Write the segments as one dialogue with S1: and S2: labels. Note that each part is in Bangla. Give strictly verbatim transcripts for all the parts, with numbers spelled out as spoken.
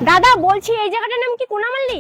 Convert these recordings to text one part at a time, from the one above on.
S1: দাদা বলছি এই জায়গাটার নাম কি কোনামাল্লি?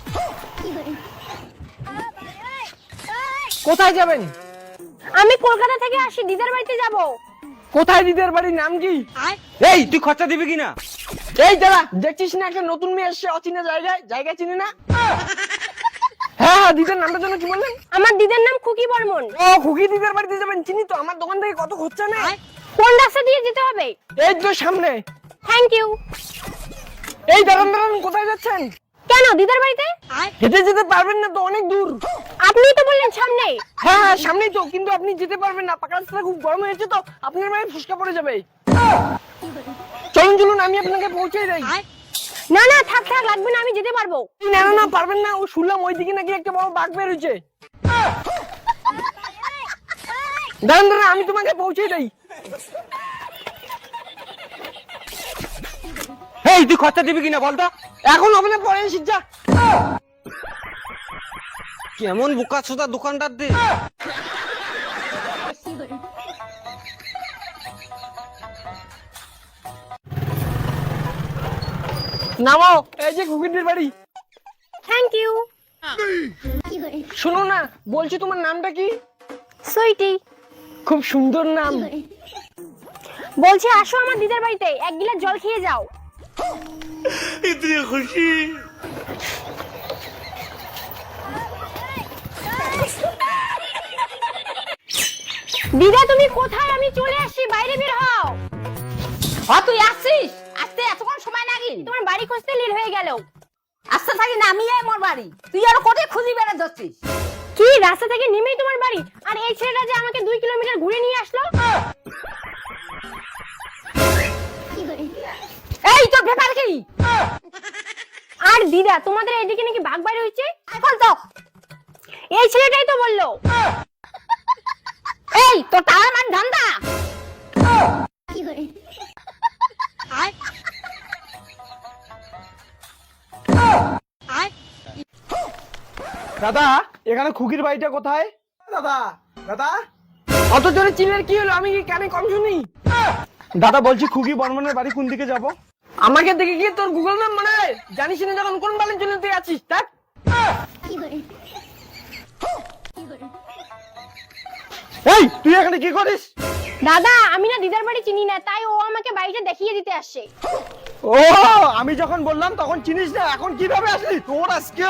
S2: কোথায় যাবেন?
S1: আমি কলকাতা থেকে আসি, দিদার বাড়িতে যাব।
S2: কোথায় দিদার বাড়ির নাম কি?
S3: এই তুই খরচা দিবি কিনা?
S2: এই দাঁড়া, দেখছিস না একটা নতুন মেয়ে এসছে অচেনা জায়গায়, জায়গা চিনি না। হ্যাঁ হ্যাঁ, দিদার নামটা যেন কি বললেন?
S1: আমার দিদার নাম খুকি বর্মন।
S2: ও, খুকি দিদার বাড়িতে যাবেন, চিনি তো। আমার দোকান থেকে কত খরচা নেই।
S1: কোন রাস্তা দিয়ে যেতে হবে?
S2: এই তো সামনে।
S1: Thank you.
S2: এই দাঁড়ান দাঁড়ান, কোথায় যাচ্ছেন?
S1: কেন দিদার বাড়িতে?
S2: হেঁটে যেতে পারবেন না তো, অনেক দূর।
S1: আপনি তো বললেন সামনে।
S2: হ্যাঁ হ্যাঁ সামনেই তো, কিন্তু আপনি যেতে পারবেন না, পাকা রাস্তাটা খুব গরম হয়েছে তো, আপনার মায়ের ফুসকা পড়ে যাবে। চলুন চলুন, আমি আপনাকে পৌঁছে দেই।
S1: না না থাক থাক, লাগবে না, আমি যেতে পারবো।
S2: না না না, পারবেন না। ও শুনলাম ওইদিকে নাকি একটা বড় বাঘ বের হয়েছে। দাঁড়ান দাঁড়ান, আমি তোমাকে পৌঁছে দেই।
S3: এই তুই খরচা দিবি কিনা বলতো?
S2: এখন হবে না, পরে এসে যা।
S3: কেমন বোকা চোদা দোকানদার দে।
S2: নামো, এই যে খুকিদের বাড়ি।
S1: Thank you.
S2: শোনো না, বলছি তোমার নামটা কি?
S1: সুইটি।
S2: খুব সুন্দর নাম।
S1: বলছি আসো আমার দিদার বাড়িতে, এক গিলাস জল খেয়ে যাও।
S3: ইতনি খুশি।
S1: দিদা তুমি কোথায়? আমি চলে আসছি, বাইরে বের হও।
S4: হ্যাঁ তুই আসছিস? আসতে এতক্ষণ সময় লাগি?
S1: তোমার বাড়ি খুঁজতে লেট হয়ে গেল।
S4: আসতে থাকি না, আমি এই মোর বাড়ি, তুই আর কোথায় খুঁজি বেড়া যাচ্ছিস?
S1: কি রাস্তা থেকে নেমেই তোমার বাড়ি? আর এই ছেলেটা যে আমাকে দুই কিলোমিটার ঘুরে নিয়ে আসলো।
S4: এই তোর ব্যাপার কি?
S1: আর দিদা তোমাদের এদিকে নাকি বাঘ বাইরে হয়েছে।
S4: এখন তো
S1: এই ছেলেটাই তো বললো।
S4: এই তোর টাকা মান ধান্দা।
S2: দাদা, এখানে খুকির বাড়িটা কোথায়? দাদা দাদা, অত জোরে চিনের কি হলো? আমি কি কানে কম শুনি? দাদা বলছি, খুকি বর্মনের বাড়ি কোন দিকে যাব? আমাকে দেখে গিয়ে তোর গুগল ম্যাপ মনে হয়? জানিস না যখন কোন বালের জন্য তুই আছিস? দেখ। এই তুই এখানে কি করিস?
S1: দাদা আমি না দিদার বাড়ি চিনি না, তাই ও আমাকে বাড়িটা দেখিয়ে দিতে আসছে।
S2: ও, আমি যখন বললাম তখন চিনিস না, এখন কিভাবে আসলি? তোর আজকে